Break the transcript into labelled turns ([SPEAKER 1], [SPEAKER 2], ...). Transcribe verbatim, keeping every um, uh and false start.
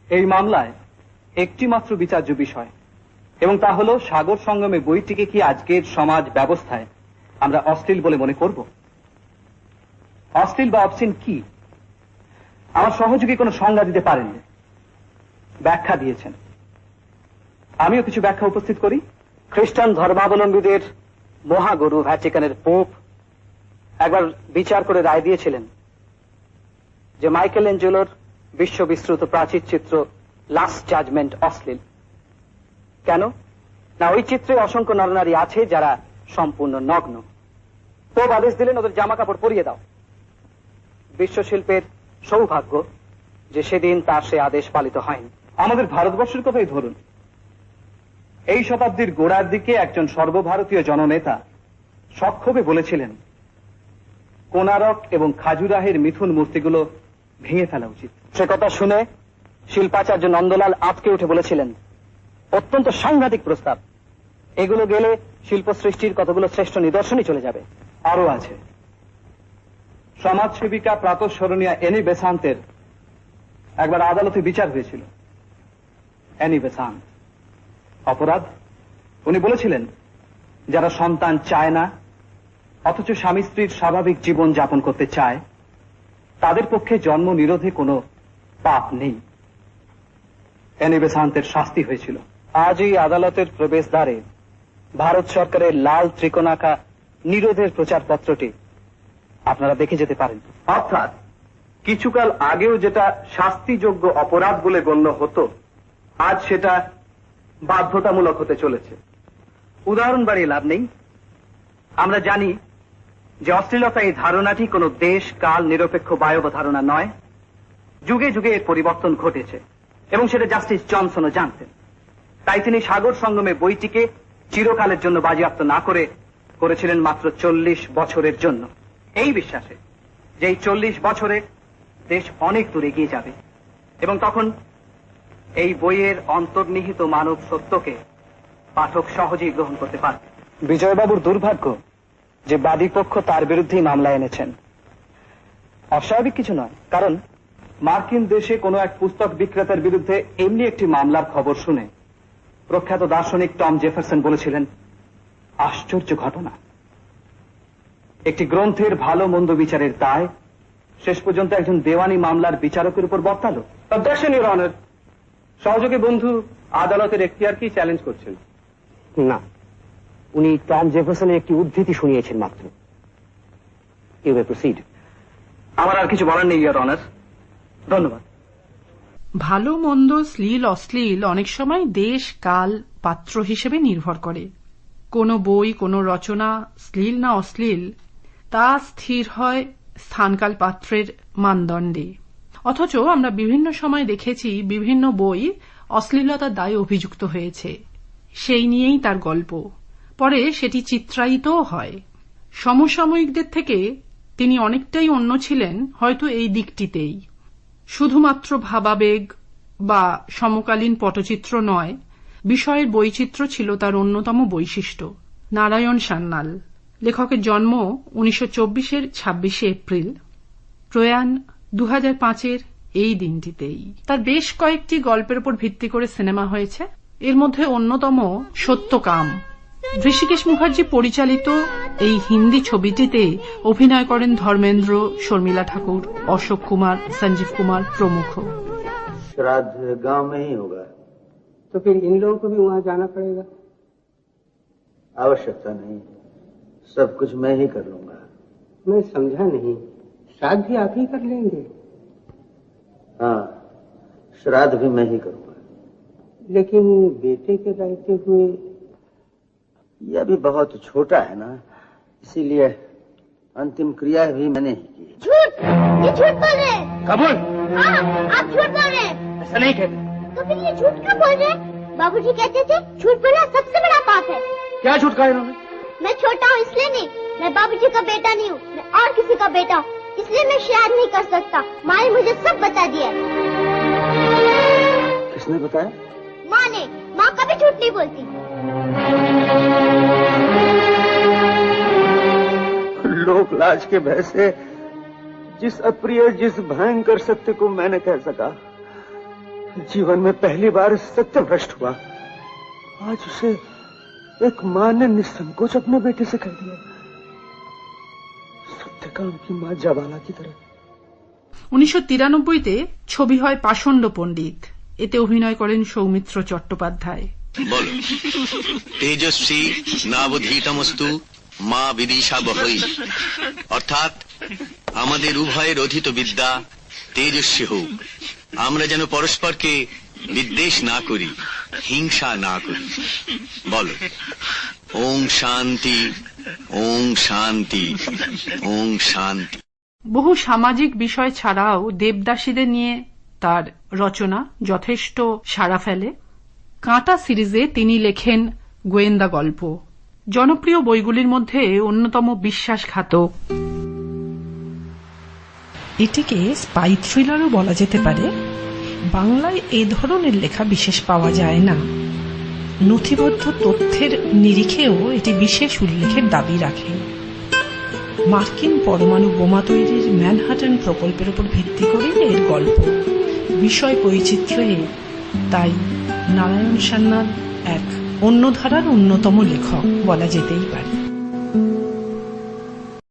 [SPEAKER 1] এই মামলায় একটি মাত্র বিচার্য বিষয়, এবং তা হল সাগর সঙ্গমে বইটিকে কি আজকের সমাজ ব্যবস্থায় আমরা অশ্লীল বলে মনে করব? অশ্লীল বা অবসিন কি? আমার সহযোগী কোনো সংজ্ঞা দিতে পারেননি, ব্যাখ্যা দিয়েছেন। আমিও কিছু ব্যাখ্যা উপস্থিত করি। খ্রিস্টান ধর্মাবলম্বীদের মহাগুরু ভ্যাটিকানের পোপ একবার বিচার করে রায় দিয়েছিলেন যে মাইকেল এঞ্জেলোর বিশ্ববিশ্রুত প্রাচীর চিত্র লাস্ট জাজমেন্ট অশ্লীল। কেন না, ওই চিত্রে অসংখ্য নরনারী আছে যারা সম্পূর্ণ নগ্ন। পোপ আদেশ দিলেন ওদের জামা কাপড় পরিয়ে দাও। বিশ্বশিল্পের সৌভাগ্য যে সেদিন তার সে আদেশ পালিত হয়নি। আমাদের ভারতবর্ষের কথাই ধরুন, এই শতাব্দীর গোড়ার দিকে একজন সর্বভারতীয় জননেতা সক্ষোভে বলেছিলেন কোনারক এবং খাজুরাহের মিথুন মূর্তিগুলো ভেঙে ফেলা উচিত। সে কথা শুনে শিল্পাচার্য নন্দলাল আটকে উঠে বলেছিলেন অত্যন্ত সাংঘাতিক প্রস্তাব, এগুলো গেলে শিল্প সৃষ্টির কতগুলো শ্রেষ্ঠ নিদর্শনই চলে যাবে। আরো আছে, সমাজসেবিকা প্রাতঃস্মরণীয়া এনি বেসান্তের একবার আদালতে বিচার হয়েছিল। এনি বেসান্ত অপরাধ, উনি বলেছিলেন যারা সন্তান চায় না অথচ স্বামী স্ত্রীর স্বাভাবিক জীবন যাপন করতে চায় তাদের পক্ষে জন্ম নিরোধে কোনো পাপ নেই। এনি বেসান্তের শাস্তি হয়েছিল। আজই আদালতের প্রবেশদ্বারে ভারত সরকারের লাল ত্রিকোণাকা নিরোধের প্রচারপত্রটি আপনারা দেখে যেতে পারেন। অর্থাৎ কিছুকাল আগেও যেটা শাস্তিযোগ্য অপরাধ বলে গণ্য হতো আজ সেটা বাধ্যতামূলক হতে চলেছে। উদাহরণ বাড়িয়ে লাভ নেই, আমরা জানি যে অশ্লীলতা এই ধারণাটি কোনো দেশ কাল নিরপেক্ষ বায়ব ধারণা নয়। যুগে যুগে এর পরিবর্তন ঘটেছে এবং সেটা জাস্টিস জনসনও জানতেন। তাই তিনি সাগর সঙ্গমে বইটিকে চিরকালের জন্য বাজেয়াপ্ত না করে করেছিলেন মাত্র চল্লিশ বছরের জন্য, এই বিশ্বাসে যে এই চল্লিশ বছরে দেশ অনেক দূর এগিয়ে যাবে এবং তখন এই বইয়ের অন্তর্নিহিত মানব সত্যকে পাঠক সহজেই গ্রহণ করতে পারবে। বিজয়বাবুর দুর্ভাগ্য যে বাদী পক্ষ তার বিরুদ্ধেই মামলা এনেছেন। অস্বাভাবিক কিছু নয়, কারণ মার্কিন দেশে কোনো এক পুস্তক বিক্রেতার বিরুদ্ধে এমনি একটি মামলার খবর শুনে প্রখ্যাত দার্শনিক টম জেফারসন বলেছিলেন আশ্চর্য ঘটনা, একটি গ্রন্থের ভালো মন্দ বিচারের দায় শেষ পর্যন্ত একজন দেওয়ানি মামলার বিচারকের উপর বর্তালো। অবজেকশন ইউর অনার, সহযোগী বন্ধু আদালতের এখতিয়ারকেই চ্যালেঞ্জ করছেন। না, উনি টম জেফারসনের একটি উদ্ধৃতি শুনিয়েছেন মাত্র। You may proceed. আমার আর কিছু বলার নেই ইউর অনার, ধন্যবাদ।
[SPEAKER 2] ভালো মন্দ, শ্লীল অশ্লীল অনেক সময় দেশ কাল পাত্র হিসেবে নির্ভর করে। কোন বই, কোন রচনা শ্লীল না অশ্লীল তা স্থির হয় স্থানকাল পাত্রের মানদণ্ডে। অথচ আমরা বিভিন্ন সময় দেখেছি বিভিন্ন বই অশ্লীলতার দায়ে অভিযুক্ত হয়েছে, সেই নিয়েই তার গল্প, পরে সেটি চিত্রায়িতও হয়। সমসাময়িকদের থেকে তিনি অনেকটাই অন্য ছিলেন হয়তো এই দিকটিতেই। শুধুমাত্র ভাবাবেগ বা সমকালীন পটচিত্র নয়, বিষয়ের বৈচিত্র্য ছিল তার অন্যতম বৈশিষ্ট্য। নারায়ণ সান্যাল, লেখকের জন্ম উনিশশো চব্বিশের ছাব্বিশে এপ্রিল, প্রয়াণ দু হাজার পাঁচের এই দিনটিতেই। তার বেশ কয়েকটি গল্পের উপর ভিত্তি করে সিনেমা হয়েছে, এর মধ্যে অন্যতম সত্যকাম। ঋষিকেশ মুখার্জি পরিচালিত এই হিন্দি ছবিটিতে অভিনয় করেন ধর্মেন্দ্র, শর্মিলা ঠাকুর, অশোক কুমার, সঞ্জীব কুমার প্রমুখ।
[SPEAKER 3] श्राद्ध गांव में ही होगा तो फिर इन लोगों को भी वहां जाना पड़ेगा? आवश्यकता नहीं, सब कुछ मैं ही कर लूंगा। मैं समझा नहीं, श्राद्ध भी आप ही कर लेंगे? हाँ, श्राद्ध भी मैं ही करूंगा। लेकिन बेटे के रहते हुए यह भी बहुत छोटा है ना, इसीलिए अंतिम क्रिया भी मैंने ही की।
[SPEAKER 4] झूठ, ये झूठ बोल रहे हैं।
[SPEAKER 3] कबूल?
[SPEAKER 4] हाँ, आप झूठ बोल रहे हैं।
[SPEAKER 3] ऐसा नहीं कहते।
[SPEAKER 4] तो फिर ये झूठ क्यों बोल रहे हैं? बाबूजी कहते थे झूठ बोलना सबसे बड़ा पाप है।
[SPEAKER 3] क्या झूठ कहा इन्होंने?
[SPEAKER 4] मैं छोटा हूँ इसलिए नहीं, मैं बाबूजी का बेटा नहीं हूँ, मैं और किसी का बेटा हूँ, इसलिए मैं श्राद्ध नहीं कर सकता। माँ ने मुझे सब बता दिया।
[SPEAKER 3] किसने बताया?
[SPEAKER 4] माँ ने। माँ कभी झूठ नहीं बोलती।
[SPEAKER 3] लोक लाज के भय से जिस अप्रिय, जिस भयंकर सत्य को मैंने कह सका, जीवन में पहली बार सत्य भ्रष्ट हुआ। आज उसे एक मां ने निसंकोच अपने बेटे से कह दिया, सत्य काम की मां जवाला की तरह।
[SPEAKER 2] উনিশশো তিরানব্বইতে ছবি হয় পাষণ্ড পণ্ডিত। এতে অভিনয় করেন সৌমিত্র চট্টোপাধ্যায়।
[SPEAKER 5] বলো, তেজস্বী নাবধীতমস্তু মা বিদিশা বহই, অর্থাৎ আমাদের উভয়ের অধীত বিদ্যা তেজস্বী হোক, আমরা যেন পরস্পরকে বিদ্বেষ না করি, হিংসা না করি। বলো, ওং শান্তি, ওং শান্তি, ওং শান্তি।
[SPEAKER 2] বহু সামাজিক বিষয় ছাড়াও দেবদাসীদের নিয়ে তার রচনা যথেষ্ট সাড়া ফেলে। কাঁটা সিরিজে তিনি লেখেন গোয়েন্দা গল্প। জনপ্রিয় বইগুলির মধ্যে অন্যতম বিশ্বাসঘাতক। এটিকে স্পাই থ্রিলারও বলা যেতে পারে। বাংলায় এ ধরনের লেখা বিশেষ পাওয়া যায় না। নথিবদ্ধ তথ্যের নিরিখেও এটি বিশেষ উল্লেখের দাবি রাখে। মার্কিন পরমাণু বোমা তৈরির ম্যানহাটন প্রকল্পের উপর ভিত্তি করে এর গল্প। বিষয় বৈচিত্র্যে তাই নারায়ণ সান্যাল এক অন্য ধারার অন্যতম লেখক বলা যেতেই পারে।